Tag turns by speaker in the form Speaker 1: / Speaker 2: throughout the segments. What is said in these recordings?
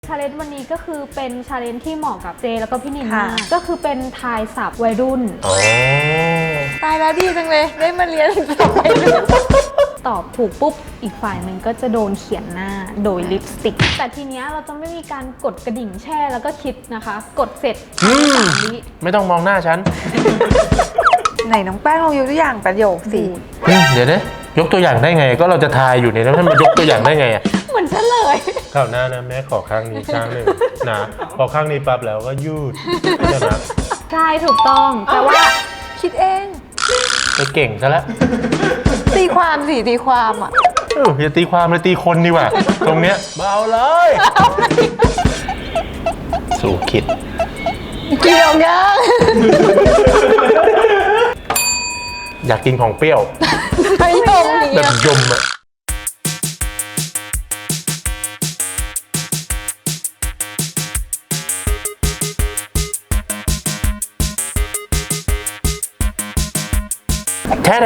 Speaker 1: ชาเลนจ์วันนี้ก็คือเป็นชาเลนจ์ที่เหมาะกับเจแล้วก็พี่นินมากก็คือเป็นทายศัพท์วัยรุ่น
Speaker 2: ตายแล้วดีจังเลยได้มาเรียนศัพท์วัยรุ่น
Speaker 1: ตอบถูกปุ๊บอีกฝ่ายหนึ่งก็จะโดนเขียนหน้าโดยลิปสติกแต่ทีเนี้ยเราจะไม่มีการกดกระดิ่งแช่แล้วก็คิดนะคะกดเสร็จ3 วิ
Speaker 3: ไม่ต้องมองหน้าฉัน
Speaker 2: ไหนน้องแป้งลองยกตัวอย่างประโยคสิ
Speaker 3: เดี๋ยวนะยกตัวอย่างได้ไงก็เราจะทายอยู่เนี่ยแล้วมันยกตัวอย่างได้ไงอ่ะ
Speaker 1: เหมือนเฉลย
Speaker 3: คราวหน้านะแม่ขอข้างนี้ข้างหนึ่งนะพอข้างนี้ปั๊บแล้วก็ยืดใช่ไหม
Speaker 1: ใช่ถูกต้องแต่ว่า
Speaker 2: คิดเอง
Speaker 3: ไปเก่งซะแล้ว
Speaker 2: ตีความสิตีความอ่ะ
Speaker 3: อย่าตีความเลยตีคนดีกว่าตรงเนี้ยเบาเลยสู่คิด
Speaker 2: เกี่ยวยัง
Speaker 3: อยากกินของเปรี้ยว
Speaker 2: ไม่ยอม
Speaker 3: แบบยมอะแท้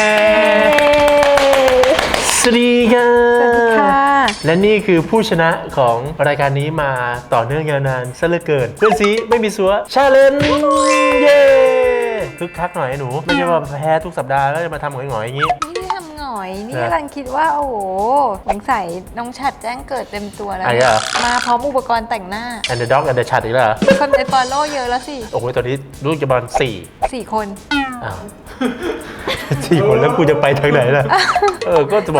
Speaker 3: สวัสดีค่ะและนี่คือผู้ชนะของรายการนี้มาต่อเนื่องยาวนานซะเหลือเกินเพื่อนซีไม่มีซัวชาเลนจ์เย้คึกคักหน่อยหนูไม่ใช่ว่าแพ้ทุกสัปดาห์แล้วจะมาทำหงอยๆอย่างนี้
Speaker 2: ไม่ได้ทำหงอยนี่กำลังคิดว่าโอ้โหสงสัยน้องฉัดแจ้งเกิดเต็มตัวแล้วมาพร้อมอุปกรณ์แต่งหน้า
Speaker 3: and the dog and the chat อีกแล้ว
Speaker 2: คนในฟอลโล่เยอะแล้วสิ
Speaker 3: โอ้โหตอนนี้รู้จะประมาณ4
Speaker 2: คน
Speaker 3: 4 คนแล้วกูจะไปทางไหนล่ะก็จะบอก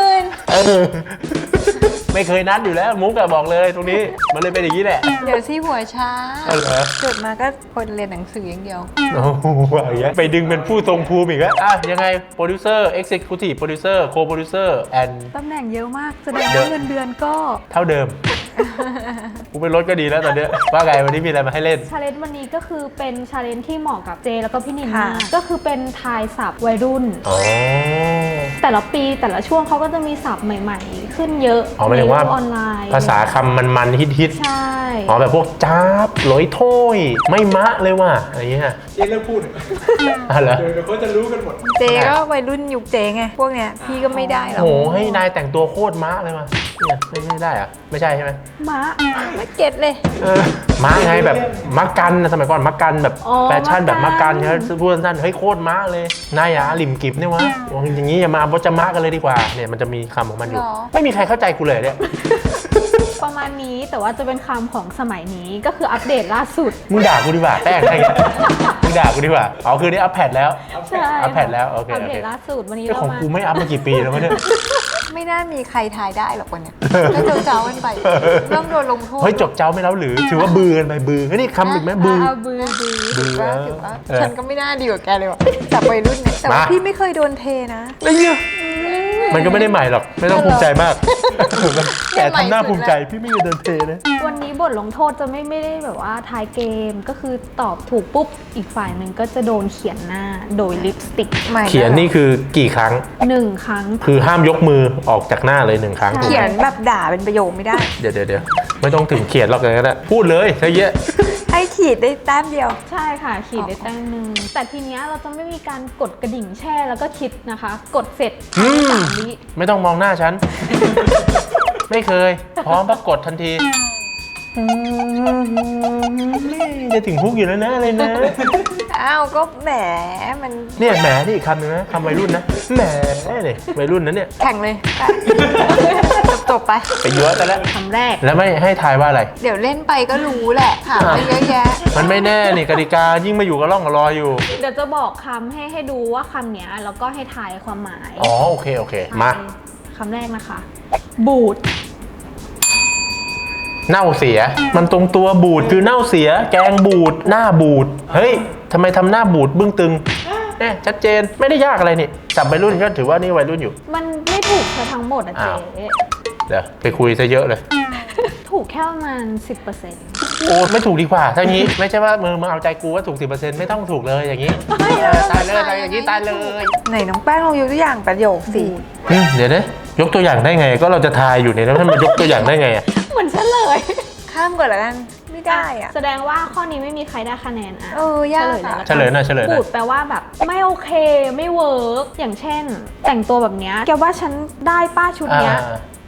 Speaker 2: 40,000
Speaker 3: ไม่เคยนัดอยู่แล้วมุกอะบอกเลยตรงนี้มันเลยเป็นอย่างนี้แหละ
Speaker 2: เดี๋ยวที่หัวช้าเกิดมาก็คนเรียนหนังสืออย่างเดียว
Speaker 3: โอ้โหอย่างเงี้ยไปดึงเป็นผู้ทรงภูมิอีกแล้วยังไงโปรดิวเซอร์เอ็กเซคิวทีฟโปรดิวเซอร์โคโปรดิวเซอร์แอน
Speaker 1: ตำแหน่งเยอะมากแสดงว่าเงินเดือนก็
Speaker 3: เท่าเดิมกูเป็นรถก็ดีแล้วตอนเนี้ยว่าไงวันนี้มีอะไรมาให้เล่น
Speaker 1: ชาเลนจ์วันนี้ก็คือเป็นชาเลนจ์ที่เหมาะกับเจแล้วก็พี่นินมากก็คือเป็นทายศัพท์วัยรุ่นแต่ละปีแต่ละช่วงเขาก็จะมีศัพท์ใหม่ๆขึ้นเยอะ
Speaker 3: ในโลก
Speaker 1: ออนไลน์
Speaker 3: ภาษาคำมันฮิต
Speaker 1: ใช่
Speaker 3: แบบพวกจ้าบลอยถ้วยไม่มะเลยว่ะอะไรเงี้ย
Speaker 4: เจ๊เลิกพูด
Speaker 3: เหรอ
Speaker 4: เดี๋ยวเขาจะรู้กันหมด
Speaker 2: เจก็วัยรุ่นยุคเจไงพวกเนี้ยพี่ก็ไม่ได้หรอก
Speaker 3: โอ้ให้นายแต่งตัวโคตรมะเลยว่ะเนี่ยไม่ได้อะไม่ใช่ใช่ไหม
Speaker 1: มะ
Speaker 2: ไม่เก็ตเลย
Speaker 3: มะไงแบบมักกันสมัยก่อนมักกันแบบแฟชั่นแบบมักกันใช่ไหมพูดสั้นๆเฮ้ยโคตรมะเลยนายอะหลิมกิบเนี่ยวะอย่างนี้อย่ามาบดจะมะกันเลยดีกว่าเนี่ยมันจะมีคำของมันอยู่ไม่มีใครเข้าใจกูเลยเนี่ย
Speaker 1: ประมาณนี้แต่ว่าจะเป็นคำของสมัยนี้ก็คืออัปเดตล่าสุด
Speaker 3: มึงด่ากูดีกว่าแป้งอะไรเงี้ยมึงด่ากูดีกว่าคือนี่อัปเดตแล้ว
Speaker 1: ใช่
Speaker 3: อัปเดตแล้วโอเค
Speaker 1: อัปเดตล่าสุดวันนี้
Speaker 3: ของกูไม่อัปมากี่ปีแล้วเนี่ย
Speaker 2: ไม่น่ามีใครทายได้หรอกวันนี้ก็เจ้ากันไปเริ่มโดนลงโทษ
Speaker 3: เฮ้ยจบเจ้าไม่แล้วหรือถือว่าบือกันไปบือนี่คำอีกไหมบือ
Speaker 2: ถือว่าฉันก็ไม่น่าดีกว่าแกเลยว่ะจับวัยรุ่นเนี่ยแต่ว่าพี่ไม่เคยโดนเทนะ
Speaker 3: ไม่เยอะมันก็ไม่ได้ใหม่หรอกไม่ต้องภูมิใจมากแต่ทำหน้าภูมิใจพี่ไม่เคยโดนเทเลย
Speaker 1: วันนี้บทลงโทษจะไม่ได้แบบว่าทายเกมก็คือตอบถูกปุ๊บอีกฝ่ายหนึ่งก็จะโดนเขียนหน้าโดยลิปสติก
Speaker 3: เขียนนี่คือกี่ครั้ง
Speaker 1: 1 ครั้ง
Speaker 3: คือห้ามยกมือออกจากหน้าเลย1 ครั้ง
Speaker 2: เขียนแบบด่าเป็นประโยคไม่ได้
Speaker 3: เดี๋ยวไม่ต้องถึงเขียนหรอกเลยก็ได้พูดเลยใช่เยอะ
Speaker 2: ให้ขีดได้แต้มเดียว
Speaker 1: ใช่ค่ะขีดได้แต้มนึงแต่ทีเนี้ยเราจะไม่มีการกดกระดิ่งแช่แล้วก็คิดนะคะกดเสร็จ3 วิ
Speaker 3: ไม่ต้องมองหน้าฉันไม่เคยพร้อมปรากฏทันทีจะถึงฮุกอยู่แล้วนะเลยนะ
Speaker 2: อ้าวก็แหมมัน
Speaker 3: เนี่ยแหมนี่อีกคำนึงนะคำวัยรุ่นนะแหมเนี่ยวัยรุ่นนั้นเนี่ย
Speaker 2: แข่งเลยจบไป
Speaker 3: เยอะแต่แล้ว
Speaker 1: คำแรก
Speaker 3: แล้วไม่ให้ทายว่าอะไร
Speaker 2: เดี๋ยวเล่นไปก็รู้แหละถามไปเยอะแยะ
Speaker 3: มันไม่แน่นี่กติกายิ่งมาอยู่กับร่องกับรอยอยู่
Speaker 1: เดี๋ยวจะบอกคำให้ดูว่าคำเนี้ยแล้วก็ให้ทายความหมาย
Speaker 3: โอเคมา
Speaker 1: คำแรกนะคะบูด
Speaker 3: เน่าเสียมันตรงตัวบูดคือเน่าเสียแกงบูดหน้าบูดเฮ้ยทำไมทำหน้าบูดบึ้งตึงเนี่ยชัดเจนไม่ได้ยากอะไรนี่จับวัยรุ่นก็ถือว่านี่วัยรุ่นอยู่
Speaker 1: มันไม่ถูกทั้งหมดอะเจ๊
Speaker 3: เดี๋ยวไปคุยซะเยอะเลย
Speaker 1: ถูกแค่ประมาณ 10%
Speaker 3: โอ้ไม่ถูกดีกว่าถ้างี้ไม่ใช่ว่ามึงเอาใจกูว่าถูก 10% ไม่ต้องถูกเลยอย่างนี้ตายเลยอะไรอย่างนี้ตายเลย
Speaker 2: ไหนน้องแป้งลองยกตัวอย่างประโยคสิ
Speaker 3: เดี๋ยวนะยกตัวอย่างได้ไงก็เราจะทายอยู่เนี่ยแล้วมันยกตัวอย่างได้ไงอะ
Speaker 1: เหมือนเฉลย
Speaker 2: ข้ามก่อนละกันไม่ได้อะ
Speaker 1: แสดงว่าข้อนี้ไม่มีใครได้คะแนน
Speaker 2: ยาก
Speaker 3: เฉลยหน่อย
Speaker 1: บูดแปลว่าแบบไม่โอเคไม่เวิร์กอย่างเช่นแต่งตัวแบบเนี้ยแกว่าฉันได้ป้าชุดเนี้ย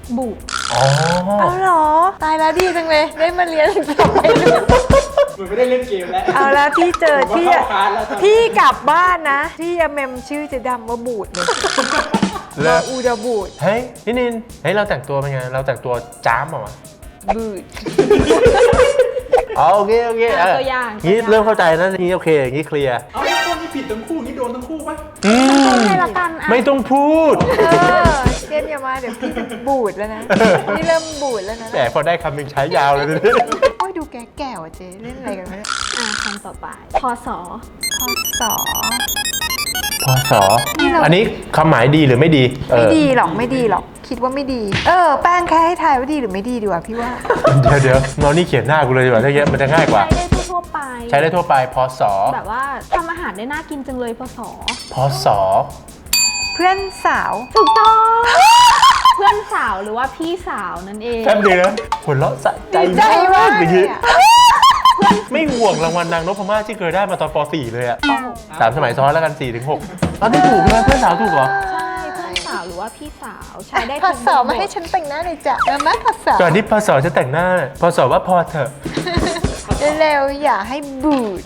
Speaker 1: บูด
Speaker 3: อ๋อ
Speaker 2: เอาเหรอ ตายแล้วดีจังเลย ได้มาเรียนต่อไปด้วย
Speaker 4: เหมือนไม่ได้เล่นเกมแล้ว
Speaker 2: เอาแล้วพี่เจอ
Speaker 4: ผมว่าเข้าคลาสแล้ว
Speaker 2: พี่กลับบ้านนะพี่จะเมมชื่อเจะดำว่าบูดเลย
Speaker 3: เลิ
Speaker 2: ว่าก อูดาบูด
Speaker 3: เฮ้ยพี่นินเฮ้ยเราแต่งตัวเป็นไงเราแต่งตัวจ้ามเหรอวะ
Speaker 2: บูด
Speaker 3: อ๋อโอเคเออ
Speaker 1: ตัวอย่าง
Speaker 3: งี้เริ่มเข้าใจนะงี้โอเคอย่างงี้เคลียร์
Speaker 4: เอาต้นนี่ผิดทั้งคู่นี่โดนทั้งคู่ปะ
Speaker 1: ต้นให้ละกันอ่ะ
Speaker 3: ไม่ต้องพูด
Speaker 2: เจมอย่ามาเดี๋ยวพี่จะบูดแล้วนะ พี่เริ่มบูดแล้วนะ
Speaker 3: แต่พอได้คำหนึ่งใช้ยาวเลย
Speaker 2: โอ้ยดูแก่ๆว่ะเจ๊เล่นอะไรกันไม่ได้
Speaker 1: คำต่อไปพศ
Speaker 2: พศ
Speaker 3: พศ
Speaker 2: นี่เรา
Speaker 3: อันนี้คำหมายดีหรือไม่ดี
Speaker 2: ไม่ดีหรอกไม่ดีหรอกคิดว่าไม่ดี แป้งแค่ให้ทายว่าดีหรือไม่ดีดีกว่าพี่ว่า
Speaker 3: เดี๋ยวงอนี่เขียนหน้ากูเลยดีกว่าถ้าเงี้ยมันจะง่ายกว่า
Speaker 1: ใช้ได้ทั่วๆไป
Speaker 3: ใช้ได้ทั่วไปพศ
Speaker 1: แบบว่าทำอาหารได้น่ากินจังเลยพศ
Speaker 3: พศ
Speaker 2: เพื่อนสาว
Speaker 1: ถูกต้อง เพื่อนสาวหรือว่าพี่สาวนั่นเอง
Speaker 3: แป๊บเดียวนะหัวเราะสะใจ
Speaker 2: ดีใจมาก
Speaker 3: เมื่อ
Speaker 2: เล
Speaker 3: กี้
Speaker 2: ยอะ
Speaker 3: ไม่ห่วงรางวัลนางนพมาศที่เคยได้มาตอนป .4 เลยอะ3 สมัยซ้อนแล้วกัน 4-6อันนี้ถูกเลยเพื่อนสาวถูกเหรอ
Speaker 1: ใช่เพื่อนสาวหรือว่าพี่สาวใช้ได้
Speaker 2: พ
Speaker 1: ทุก
Speaker 2: ศมาให้ฉันแต่งหน้าหน่อยจ้ะมาพศ
Speaker 3: ก่อนที่พศจะแต่งหน้าพศว่าพอเถอะ
Speaker 2: เร็วๆอย่าให้บูด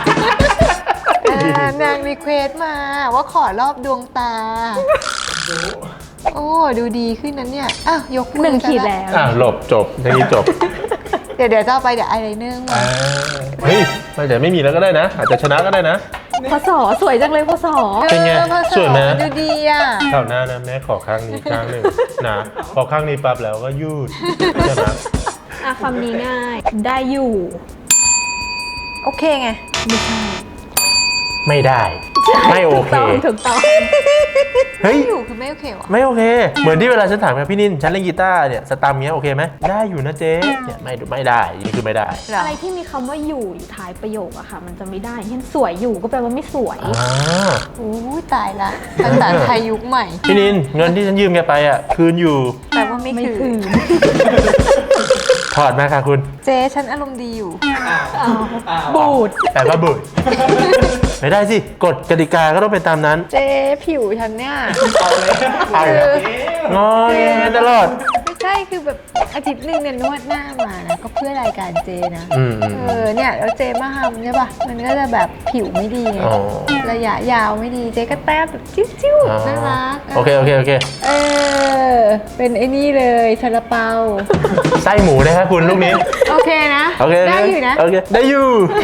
Speaker 2: นางรีเควสมาว่าขอรอบดวงตา โอ้ดูดีขึ้นนั้นเนี่ยอ้าวยกมือ
Speaker 1: หนึ่งขีด
Speaker 2: ซะ
Speaker 1: แล้ว
Speaker 3: หลบจบทีนี้จบ
Speaker 2: เดี๋ยวต่อไปเดี๋ยวไอไลเนอร์มา
Speaker 3: เฮ้ยมันจะไม่มีแล้วก็ได้นะ อาจจะชนะก็ได้นะ
Speaker 1: พศสวยจังเลยพศ
Speaker 3: เป็นไง
Speaker 2: พศ
Speaker 3: สวยไหม
Speaker 2: ดูดีอ่ะ
Speaker 3: คราวหน้านะแม่ขอข้างนี้ข้างหนึ่งนะพอข้างนี้ปั๊บแล้วก็ยืดใช่ไหม
Speaker 1: คำนี้ง่าย ได้อยู่
Speaker 2: โอเคไง
Speaker 1: ไม่ใช่
Speaker 3: ไม่ได้ ไม่โอเค
Speaker 1: ถูกต้อง
Speaker 3: เฮ้ย
Speaker 2: อยู่คือไม่โอเควะ
Speaker 3: ไม่โอเค เหมือนที่เวลาฉันถามกับพี่นินฉันเล่นกีตาร์เนี่ยสตัมเนี้ยโอเคไหมได้อยู่นะเจ๊เนี่ยไม่ได้นี่คือไม่ได้
Speaker 2: เหรอ
Speaker 1: อะไรที่มีคำว่าอยู่ท้ายประโยคอะค่ะ มันจะไม่ได้เช่นสวยอยู่ก็แปลว่าไม่สวย
Speaker 3: อ่า
Speaker 2: โอ้ยตายละภาษาไทยยุคใหม่
Speaker 3: พี่นินเงินที่ฉันยืมแกไปอ่ะคืนอยู่
Speaker 2: แต่ว่าไม่
Speaker 1: ไม่
Speaker 2: ถื
Speaker 1: ถึ
Speaker 2: อ
Speaker 1: ง
Speaker 3: ถอดมาค่ะคุณ
Speaker 2: เจ๊ฉันอารมณ์ดีอยู่
Speaker 1: บูด
Speaker 3: แปลว่าบุยไม่ได้สิกฎกติกาก็ต้องเป็นตามนั้น
Speaker 2: เจ๊ผิวฉันเนี่ย
Speaker 4: เอาเลย
Speaker 3: เอาเหรอ งอแงตลอด
Speaker 2: ไม่ใช่คือแบบอาทิตย์หนึงเนี่ยนวดหน้ามานะก็เพื่อรายการเจนะ
Speaker 3: อืม
Speaker 2: เนี่ยแล้วเจมาทำใช่ป่ะมันก็จะแบบผิวไม่ดีไง
Speaker 3: อ๋อ
Speaker 2: ระยะยาวไม่ดีเจก็แต้มแบบจิ้วๆน่ารัก
Speaker 3: โอเค
Speaker 2: เป็นไอ้นี่เลยซาลาเปา
Speaker 3: ไส้หมูนะครับคุณลูกนี้
Speaker 2: โอเคนะ
Speaker 3: โอเค
Speaker 2: ได้อยู่นะ
Speaker 3: โอเคได้อยู่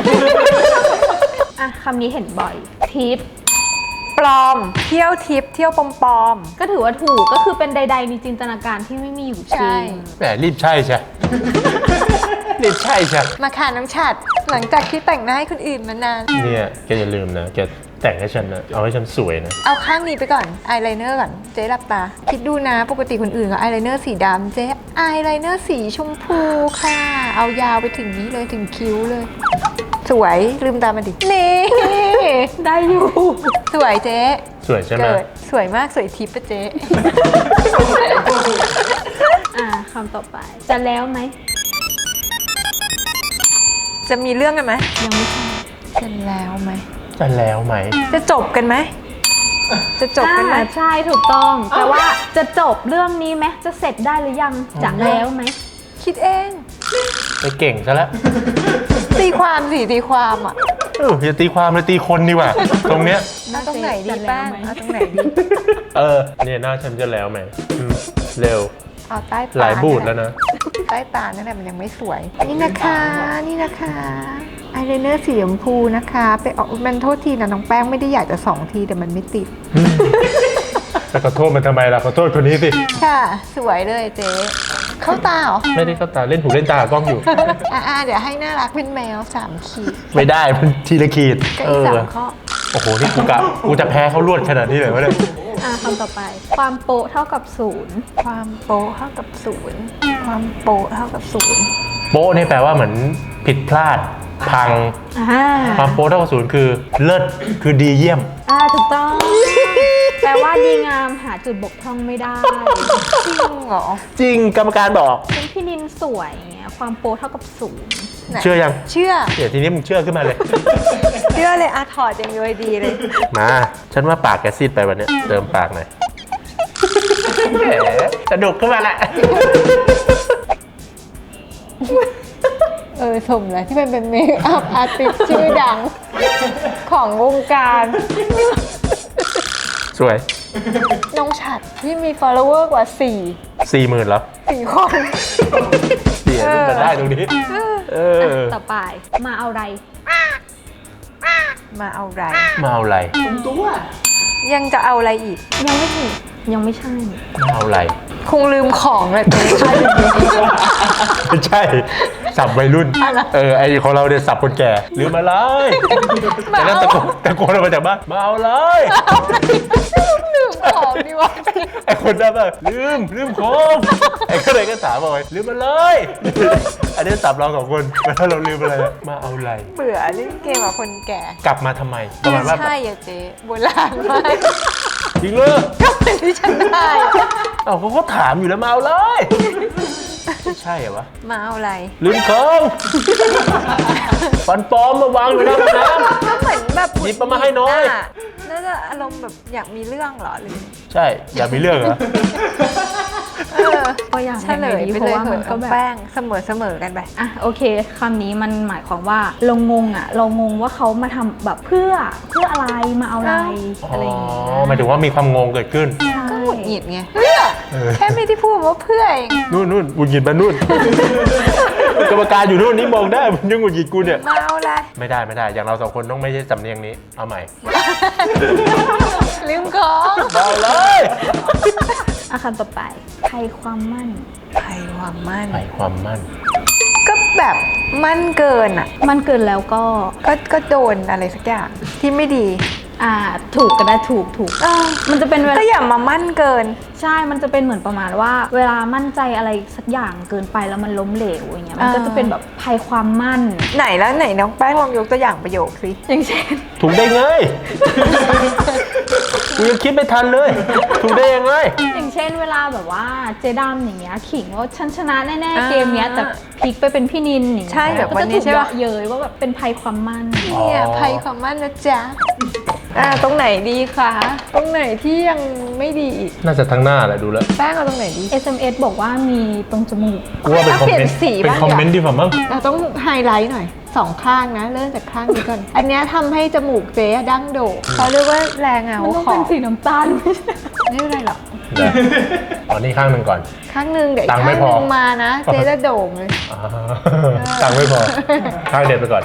Speaker 1: คำนี้เห็นบ่อย ทิป
Speaker 2: ปลอม เที่ยวทิปเที่ยวปลอม
Speaker 1: ก็ถือว่าถูกก็คือเป็นใดๆในจินตนาการที่ไม่มีอยู่จ
Speaker 2: ใช่
Speaker 1: ริง
Speaker 3: แหมรีบใช่ใช่ รีบใช่ใช่
Speaker 2: มาค่ะน้องฉัดหลังจากที่แต่งหน้าให้คนอื่นมานาน
Speaker 3: เนี่ยแกอย่าลืมนะแกแต่งให้ฉันนะเอาให้ฉันสวยนะ
Speaker 2: เอาข้างนี้ไปก่อนอายไลเนอร์ก่อนเจ๊หลับตา คิดดูนะปกติคนอื่นเขาอายไลเนอร์สีดำเจ๊อายไลเนอร์สีชมพูค่ะ เอายาวไปถึงนี้เลยถึงคิ้วเลย สวยลืมตามาดินี่
Speaker 1: ได้อยู่
Speaker 2: สวยเจ๊
Speaker 3: สวยใช่ไหม
Speaker 2: เกิดสวยมากสวยทิพย์ปะเจ๊
Speaker 1: คำต่อไป จะแล้วไหม
Speaker 2: จะมีเรื่องกันไหม
Speaker 1: ยังไม่ใช่
Speaker 2: จะแล้วไหม
Speaker 3: จะแล้วไหม
Speaker 2: จะจบกันไหมจะจบกันไหม
Speaker 1: ใช่ถูกต้องแต่ว่าจะจบเรื่องนี้ไหมจะเสร็จได้หรือยังจะแล้วไหม
Speaker 2: คิดเอง
Speaker 3: ไปเก่งซะแล้ว
Speaker 2: ตีความสิตีความอ่ะ
Speaker 3: อย่าตีความเลยตีคนดีกว่า ตรงเนี้ย
Speaker 2: เอาตรงไหนดีบ้างเอาตรงไหนดี
Speaker 3: เนี่ยหน้าฉันจะแล้วไหมเร็ว
Speaker 2: เอาใต้ตา
Speaker 3: หลายบูดแล้วนะ
Speaker 2: ใต้ตานั่นแหละมันยังไม่สวย นี่นะคะนี่นะคะอายไลเนอร์สีชมพูนะคะไปออกมันโทษทีนะน้องแป้งไม่ได้อยากจะ2 ทีแต่มันไม่ติด
Speaker 3: แต่ขอโทษมันทำไมล่ะขอโทษคนนี้สิ
Speaker 2: ค่ะ สวยเลยเจ๊เข้าตาเหรอ
Speaker 3: ไม่ได้เข้าตาเล่นหูเล่นตากล้องอยู่
Speaker 2: เดี๋ยวให้น่ารักเป็นแมว3 ขีด
Speaker 3: ไม่ได้มันทีละขีด
Speaker 2: ก็อีก3 ข้อ
Speaker 3: โอ้โหนี่กูจะแพ้เขาลวดขนาดนี้เลยวะเนี่ย
Speaker 1: คำต่อไป ความโปะเท่ากับศูนย์
Speaker 2: ความโป๊ะเท่ากับ0ความโป๊ะเท่ากับ0
Speaker 3: โป๊ะนี่แปลว่าเหมือนผิดพลาด พัง ความโป๊ะเท่ากับศูนย์คือเลิศคือดีเยี่ยม
Speaker 1: ถูกต้อง แปลว่าดีงามหาจุดบกพร่องไม่ได้
Speaker 2: จริงเหรอ
Speaker 3: จริงกรรมการบอก
Speaker 1: เป็นพี่นินสวยเงี้ยความโปะเท่ากับศูนย์
Speaker 2: ไหน
Speaker 3: เชื่อยัง
Speaker 2: เชื่อ
Speaker 3: เดี๋ยวทีนี้มึงเชื่อขึ้นมาเลย
Speaker 2: เชื่อเลยถอดยังย้อยดีเลย
Speaker 3: มา ฉันว่าปากแกซีดไปวันเนี้ยเติมปากหน่อยแหมสนุกขึ้นมาแหละ
Speaker 2: สมแล้วที่เป็นเมคอัพอาร์ติสชื่อดังของวงการ
Speaker 3: สวย
Speaker 2: น้องฉัดที่มี follower กว่า
Speaker 3: 40,000เหรอ
Speaker 2: 4 คน
Speaker 3: เดี๋ยวมันได้ตรงนี้
Speaker 1: ต่อไปมาเอาอะไร
Speaker 2: มาเอาไร
Speaker 3: มาเอาอะไร
Speaker 4: ตรงตัว
Speaker 2: ยังจะเอาอะไรอีก
Speaker 1: ยังไม่ถูกยังไม่ใช่
Speaker 3: มาเอาอะไร
Speaker 2: คงลืมของแหละเจ๊ใช่
Speaker 3: ไม่ใช่ สับวัยรุ่น ไอของเราเนี่ยสับคนแก่ลืมมาเลยแต่แล้วตะโกนออกมาจากบ้านมาเอาเลย
Speaker 2: ลืมของดีวะ
Speaker 3: ไอคนนั้นแบบลืมของไอก็เลยก็ถามบอกไปลืมมาเลยอันนี้สับเรา2 คนแล้วเราลืมอะไรมาเอาอะไร
Speaker 2: เบื่อเล่นเกมกับคนแก่
Speaker 3: กลับมาทำไมประมาณว่า
Speaker 2: ใช่อะเจ๊โบราณมาก
Speaker 3: จริงเลย
Speaker 2: ก็เป็นที่ฉันได้อะ
Speaker 3: เอ้าเขาก็ถามอยู่แล้วมาเอาเลยไม่ใช่เหรอวะ
Speaker 2: มาเอาอะไร
Speaker 3: ลืมของฟันปลอมมาวางอยู่หน้าห้องน้
Speaker 2: ก็เหมือนแบบ
Speaker 3: หยิบมาให้น้อย
Speaker 2: น่าจะอารมณ์แบบอยากมีเรื่องเหรอหรือ
Speaker 3: ำใช่อย่ามีเรื่องเหรอ
Speaker 1: ก็อย่าง
Speaker 2: เฉลยไป
Speaker 1: เพ
Speaker 2: เล
Speaker 1: ราะ
Speaker 2: ย
Speaker 1: ว่า
Speaker 2: เห
Speaker 1: มั
Speaker 2: อะ
Speaker 1: นก็แบบ
Speaker 2: แป้งเสมอกันไป
Speaker 1: อ่ะโอเคคำนี้มันหมายความว่าเรางงเรางงว่าเขามาทำแบบเพื่ออะไรมาเอาอะไรอะไรอย่างเงี้ย
Speaker 3: หมายถึงว่ามีความงงเกิดขึ้น
Speaker 2: ก็หงุดหงิดไงเพื่อแค่ไม่ได้พูดว่าเพื่อเอง
Speaker 3: นู่นหงุดหงิดมานู่น กรรมการอยู่นู่นนี่มองได้มันยังหงุดหงิดกูเนี่ย
Speaker 2: มาเอาอะไร
Speaker 3: ไม่ได้อย่างเรา2 คนต้องไม่ใช่สำเนียงนี้เอาใหม่
Speaker 2: ลืมของ
Speaker 3: เอาเลย
Speaker 1: อาคำต่อไปภัยความมั่น
Speaker 2: ภัยความมั่น
Speaker 3: ไปความมั่น
Speaker 2: ก็แบบมั่นเกินอ่ะ
Speaker 1: มั่นเกินแล้วก็
Speaker 2: ก็โดนอะไรสักอย่างที่ไม่ดี
Speaker 1: ถูกก็ได้ถูก มันจะเป็นเวลา
Speaker 2: ก็อย่ามามั่นเกิน
Speaker 1: ใช่ มันจะเป็นเหมือนประมาณว่า เวลามั่นใจอะไรสักอย่างเกินไปแล้วมันล้มเหลวอย่างเงี้ย มันก็จะเป็นแบบภัยความมั่น
Speaker 2: ไหนน้องแป้งลองยกตัวอย่างประโยคสิ
Speaker 1: อย่างเช่น
Speaker 3: ถูกได้ไงกูยังคิดไม่ทันเลย ถูกได้ยังไง
Speaker 1: อย่างเช่นเวลาแบบว่าเจดํอย่างเงี้ยขิงว่าฉันชนะแน่ๆเกมเนี้ยแต่พลิกไปเป็นพี่นินอย่างเงี้ย
Speaker 2: ใช่แบบวันนี้
Speaker 1: ก็จะถูก
Speaker 2: ใช่ปะ
Speaker 1: เยาะเย้ยว่าแบบเป็นภัยความมั่น
Speaker 2: เนี่ยภัยความมั่นนะจ๊ะตรงไหนดีคะตรงไหนที่ยังไม่ดีอีก
Speaker 3: น่าจะทั้งหน้าแหละดูแล้ว
Speaker 2: แป้งเอาตรงไหนดี
Speaker 1: SMS บอกว่ามีตรงจมูก
Speaker 3: กูว่าเป็นคอม
Speaker 2: เปลี่
Speaker 3: เม
Speaker 2: ย
Speaker 3: น
Speaker 2: น
Speaker 3: ต์
Speaker 2: สี
Speaker 3: เป็น
Speaker 2: บ้าง
Speaker 3: คอมเมนต์ดีกว่ามั้ง
Speaker 2: เราต้องไฮไลท์หน่อย2 ข้างนะเริ่มจากข้างนี้ก่อน อันเนี้ยทำให้จมูกเจ๊ดั้งโด่งเขาเรียกว่าแรงเงา
Speaker 1: มันต้อง
Speaker 2: ขอ
Speaker 1: เป็น
Speaker 2: บ
Speaker 1: สีน้ำตาล
Speaker 2: ไม่เป็นไรหรอก
Speaker 3: เอานี่ข้างหนึ่งก่อน
Speaker 2: ข้างหนึ่งเดี๋ยวอี
Speaker 3: ตั
Speaker 2: ก
Speaker 3: งค์ไม่
Speaker 2: ข้าง
Speaker 3: พ
Speaker 2: ห
Speaker 3: อ
Speaker 2: นึ่งมานะ เจ๊จะโด่งเลย
Speaker 3: อ่าตังค์ไม่พอ ข้างเด็ดไปก่อน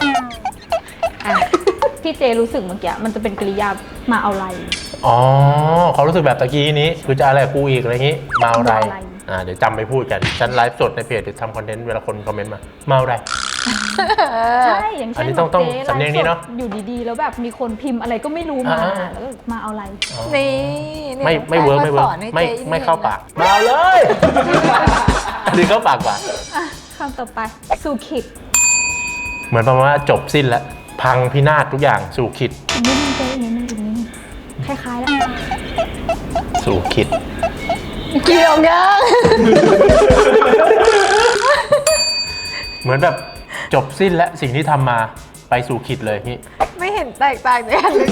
Speaker 1: ที่เจรู้สึกเมื่อกี้มันจะเป็นกริยามาเอาอะไร
Speaker 3: อ๋อเขารู้สึกแบบตะกี้นี้คือจะอะไรกับกูอีกอะไรอย่างงี้มาเอาอะไร
Speaker 1: มาเอาอะไร
Speaker 3: เดี๋ยวจำไปพูดกันฉันไลฟ์สดในเพจหรือทำคอนเทนต์เวลาคนคอมเมนต์มามาเอาอะไร
Speaker 1: ใช่ อย่าง
Speaker 3: อัน
Speaker 1: เช่น
Speaker 3: นี้ต้อง
Speaker 1: แบบจ๊
Speaker 3: สำเนียงนี้เนอะ
Speaker 1: ไลฟ์สดอยู่ดีๆ แล้วแบบมีคนพิมพ์อะไรก็ไม่รู้มา แล้วก็มาเอาอะไร
Speaker 2: นี่นี่
Speaker 3: ไม่เวิร์กไม่เวิร์ก
Speaker 2: สอนให้
Speaker 3: ไม่
Speaker 2: จ๊
Speaker 3: ไม่เข้าปากมาเอาเลย อันนี้เข้าปากกว่า
Speaker 1: อ่ะคำต่อไปสู่ขิด
Speaker 3: เหมือนประมาณว่าจบสิ้นแล้วพังพินาศทุกอย่างสู่ขิด
Speaker 1: อีกนิดนึงเจอีกนิดนึงอีกนิดนึงคล้ายๆแล้ว
Speaker 3: สู่ขิด
Speaker 2: เกี่ยวยัง
Speaker 3: เหมือนแบบจบสิ้นแล้วสิ่งที่ทำมาไปสู่ขิดเลยนี่
Speaker 2: ไม่เห็นแตกต่างกันเลย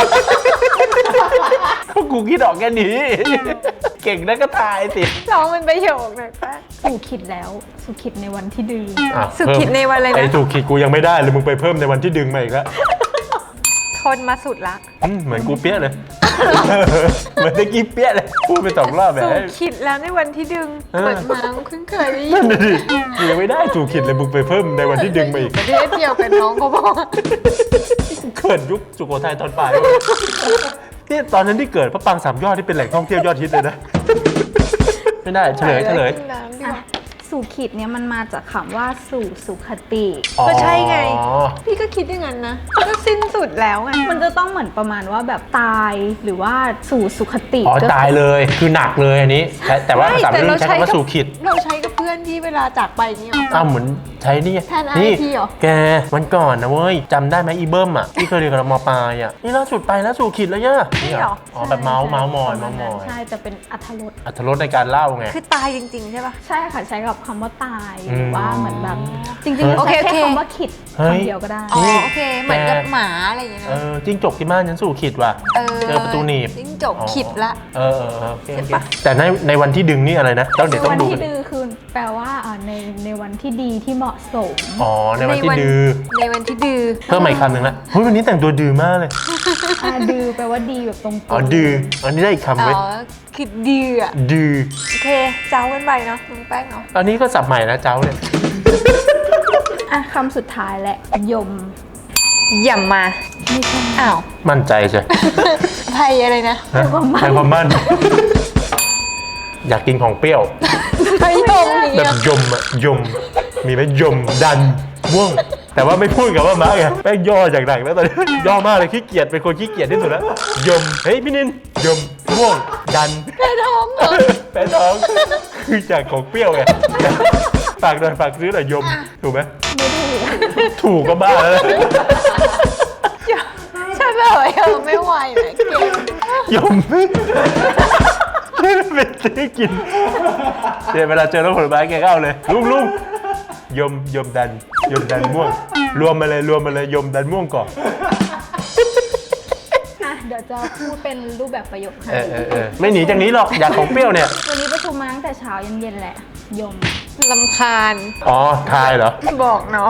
Speaker 3: ก็กูคิดออกแค่นี้ เก่งนะก็ทายสิ
Speaker 2: ร้องเป็นประโยคหน่อยแป้ง
Speaker 1: สู่ขิดแล้วสู่ขิดในวันที่ดื้อ
Speaker 3: อ่ะ
Speaker 2: สู่ขิดในวันอะไรนะ
Speaker 3: ไอ้สู่ขิดกูยังไม่ได้เลยมึงไปเพิ่มในวันที่ดึงมาอีกแล้ว
Speaker 2: ทนมาสุดละ
Speaker 3: เหมือนกูเปี้ยเลย เหมือนตะกี้เปี้ยเลยพูดไป2 รอบแบบ
Speaker 2: สู่ขิดแล้วในวันที่ดึงเปิดมาเพิ่งเคยได้ยิ
Speaker 3: นั่
Speaker 2: น
Speaker 3: นน่ะดิกูยังไม่ได้สู่ขิดเลยมึงไปเพิ่มในวันที่ดึงมาอีก
Speaker 2: ประเทศเดียวกับน้องเขาบอก
Speaker 3: เกิดยุคสุโขทัยตอนปลายนี่ตอนนั้นที่เกิดพระปรางสามยอดที่เป็นแหล่งท่องเที่ยวยอดฮิตเลยนะ ไม่ได้เฉลย
Speaker 2: กินน้ำดีก
Speaker 1: อ่ะ
Speaker 2: ว่า
Speaker 1: สู่ขิดเนี่ยมันมาจากคำว่าสู่สุขติ
Speaker 2: ก็ใช่ไง
Speaker 3: อ๋อ
Speaker 2: พี่ก็คิดอย่างนั้นนะ ก็สิ้นสุดแล้วไง
Speaker 1: มันจะต้องเหมือนประมาณว่าแบบตายหรือว่าสู่สุขติ
Speaker 3: อ๋อ
Speaker 1: ก็
Speaker 3: ตายเลยคือหนักเลยอันนี้แต่ว่าภาษาวัยรุ่นใช้คำว่าสู่ขิด
Speaker 2: เราใช้กับเพื่อนที่เวลาจากไปนี่หรอ
Speaker 3: อ้าวเหมือนใช้นี่ไง
Speaker 2: แทน IP เหรอ
Speaker 3: แกวันก่อนนะเว้ยจำได้ไหมอีเบิ้มอ่ะที่เคยเรียนกับเรามปลายอ่ะนี่ล่าสุดไปแล้วสู่ขิดแล้วเนี่ยนี่เหรออ๋อแบบเมาส์มอย
Speaker 1: ประ
Speaker 3: เมา
Speaker 1: ณ
Speaker 3: ส์ม
Speaker 1: นั้น
Speaker 3: อย
Speaker 1: ใช่แต่เป็นอรรถรส
Speaker 3: อรรถรสในการเล่าไง
Speaker 2: คือตายจริงๆใช่ปะ
Speaker 1: ใช่ค่ะใช้กับคำว่าตาย
Speaker 3: อืม
Speaker 1: หรือว่าเหมือนแบบจริง
Speaker 3: เฮ้ย
Speaker 1: ๆใช้
Speaker 2: โอเค
Speaker 1: แค่คำว่าขิด
Speaker 3: เฮ้ย
Speaker 1: คำเดียวก็ได้
Speaker 2: อ๋อ
Speaker 3: นี่
Speaker 2: โอเค เหมือนกับ
Speaker 3: แก
Speaker 2: หมาอะไรอย่างเงี้ย
Speaker 3: เอ
Speaker 2: นะ
Speaker 3: อจิ้งจกที่บ้านฉันสู่ขิดว่ะ เจอประตูหนีบ
Speaker 2: จิ้งจกขิดละ
Speaker 3: โอเคแต่ในวันที่ดึงนี่อะไรนะเดี๋ยวต้อง
Speaker 1: วัน
Speaker 3: ดู
Speaker 1: ที่
Speaker 3: กัน
Speaker 1: ดื้อคือแปลว่าในวันที่ดีที่เหมาะสม
Speaker 3: อ๋อในวันที่ดื้อ
Speaker 2: ในวันที่ดื้อ
Speaker 3: เพิ่มมาอีกคำหนึ่งละเฮ้ยวันนี้แต่งตัวดื้อมากเลย
Speaker 1: ดื้อแปลว่าดีแบบตรงๆ
Speaker 3: อ๋อดื้ออันนี้ได้อีกคำ
Speaker 2: อ๋
Speaker 3: เว้ย
Speaker 2: อขิดดื้ออะ
Speaker 3: ดื้อ
Speaker 2: โอเค เจ้ากันไปเนาะน้องแป้งเนาะ
Speaker 3: อันนี้ก็สับใหม่นะเจ้าเนี่ย
Speaker 1: อ่ะคำสุดท้ายแหละยม
Speaker 2: อย่ามา
Speaker 1: ไม่ใช่
Speaker 2: อ้าว
Speaker 3: มั่นใจใช่
Speaker 2: ไทยอะไรนะ
Speaker 3: ฮะให้ความมั่น อยากกินของเปรี้ยว
Speaker 2: ไทยยงอย่าง
Speaker 3: แบ
Speaker 2: เงี้
Speaker 3: บ
Speaker 2: ย
Speaker 3: ยมอะยม มีไหมยมดันม่วง แต่ว่าไม่พูดกับว่ามาไงแป้งย่อจากหนักแล้วตอนนี้ ย่อมากเลยขี้เกียจเป็นคนขี้เกียจที่สุดแล้วยมเฮ้ยพี่นินยมม่วงดัน
Speaker 2: แพ้ท้องเหรอ
Speaker 3: แป้ท้องคือจากของเปรี้ยวไงฝากหน่อยฝากซื้อหน่อยยมถูกไหม
Speaker 1: ไม่ถูก
Speaker 3: ถูกก็บ้าแล้วนะ
Speaker 2: ใช่เลยไม่ไหวนะเก่ง
Speaker 3: ยมเป็นซื้อกินเดี๋ยวเวลาเจอรถผลไม้แกก็เอาเลยลุงยมดันม่วง รวมมาเลยยมดันม่วงก่อน
Speaker 1: อ่ะเดี๋ยวจะพูดเป็นรูปแบบประโยคให้
Speaker 3: ไม่หนีจากนี้หรอกอยากของเปรี้ยวเนี่ย
Speaker 1: วันนี้ประชุมมาตั้งแต่เช้ายันเย็นแหละ ยม
Speaker 2: ลำคาญ
Speaker 3: อ๋อทายเหรอ
Speaker 2: บอกเนาะ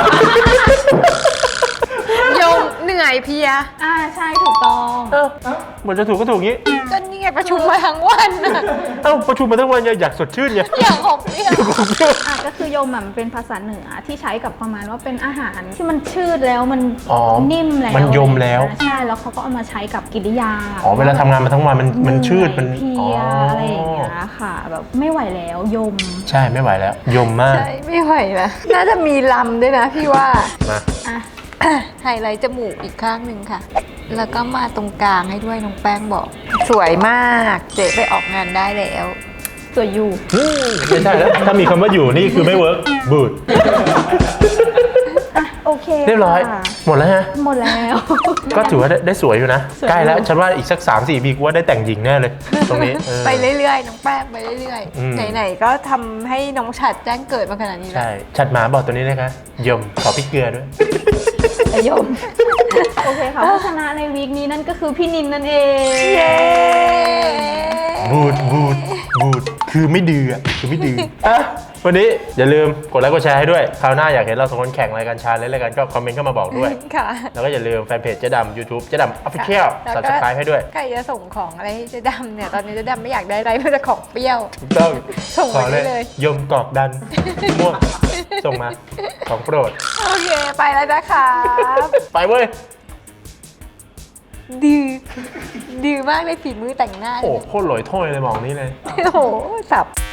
Speaker 2: ยงเหนื่อยเพลีย
Speaker 1: ใช่ถูกต้อง
Speaker 3: หมดจะถูกก็ถูกงี้
Speaker 2: ก็นี่ไงประชุมมาทั้งวันน่ะ
Speaker 3: ประชุมมาทั้งวันอยากสดชื่นไง
Speaker 2: อย่างของเปรี้ยว
Speaker 1: ก็คือยมอ่ะมันเป็นภาษาเหนือที่ใช้กับประมาณว่าเป็นอาหารที่มันชืดแล้วมัน
Speaker 3: อ๋อ
Speaker 1: นิ่มแล้ว
Speaker 3: มันยมแล้ว
Speaker 1: ใช่แล้วเขาก็เอามาใช้กับกิริยา
Speaker 3: อ๋อเวลาทำงานมาทั้งวันมันชืดมัน
Speaker 1: เพลียอะไรอย่างเงี้ยค่ะ แบบไม่ไหวแล้วยม
Speaker 3: ใช่ไม่ไหวแล้ว ยมมาก
Speaker 2: ใช่ไม่ไหวนะน่าจะมีลำด้วยนะพี่ว่า
Speaker 3: มา
Speaker 1: อ่ะ
Speaker 2: ไฮไลท์จมูกอีกข้างหนึ่งค่ะ แล้วก็มาตรงกลางให้ด้วยน้องแป้งบอก สวยมากเจ๊ไปออกงานได้แล้ว
Speaker 1: สวยอยู่
Speaker 3: ไม่ใช่แล้วถ้ามีคำว่าอยู่นี่คือไม่เวิร์กบูด
Speaker 1: อ่ะโอเค
Speaker 3: เรียบร้อย
Speaker 1: ค่ะ
Speaker 3: หมดแล้วฮะ
Speaker 1: หมดแล้ว
Speaker 3: ก็ถือว่าได้สวยอยู่นะ
Speaker 1: สวย
Speaker 3: ใกล้แล้วฉันว่าอีกสัก 3-4 ปีกูว่าได้แต่งหญิงแน่เลย ตรงนี้
Speaker 2: ไปเรื่อยๆน้องแป้งไปเรื่อย
Speaker 3: อืม
Speaker 2: ๆไหนๆก็ทำให้น้องฉัดแจ้งเกิดมาขนาดนี้แล้ว
Speaker 3: ใช่ ชัดหมาบอกตัวนี้นะคะยมขอพริกเกลือด้วย
Speaker 1: แต่ยม โอเคค่ะผู้ชนะในวีคนี้นั่นก็คือพี่นินนั่นเอง
Speaker 2: เย้
Speaker 3: บูดคือไม่ดื้ออะคือไม่ดื้ออ่ะวันนี้อย่าลืมกดไลค์กดแชร์ให้ด้วยคราวหน้าอยากเห็นเราสองคนแข่งรายการชาเลนจ์รายการก็คอมเมนต์เข้ามาบอกด้วย
Speaker 2: ค่ะ
Speaker 3: แล้วก็อย่าลืมแฟนเพจเจ๊ดำ YouTube เจ๊ดำ Official
Speaker 2: แล้วก็
Speaker 3: Subscribe ให้ด้วย
Speaker 2: ใครจะส่งของอะไรให้เจ๊ดำเนี่ย ตอนนี้เจ๊ดำไม่อยากได้อะไรเพื่อจะของเปรี้ยว
Speaker 3: ถูกต้อง
Speaker 2: ส่ง
Speaker 3: ขอ
Speaker 2: มาได้เลย
Speaker 3: ยมกอกดัน ม่วง ส่งมา ของโปรด
Speaker 2: โอเค ไปแล้วนะคะ
Speaker 3: ไปเว้ย
Speaker 2: ดื้อมากเลยฝีมือแต่งหน้า
Speaker 3: โอ้โหโคตรหลอยถ้วยเลยมองนี้เลย
Speaker 2: โอ้โหสับ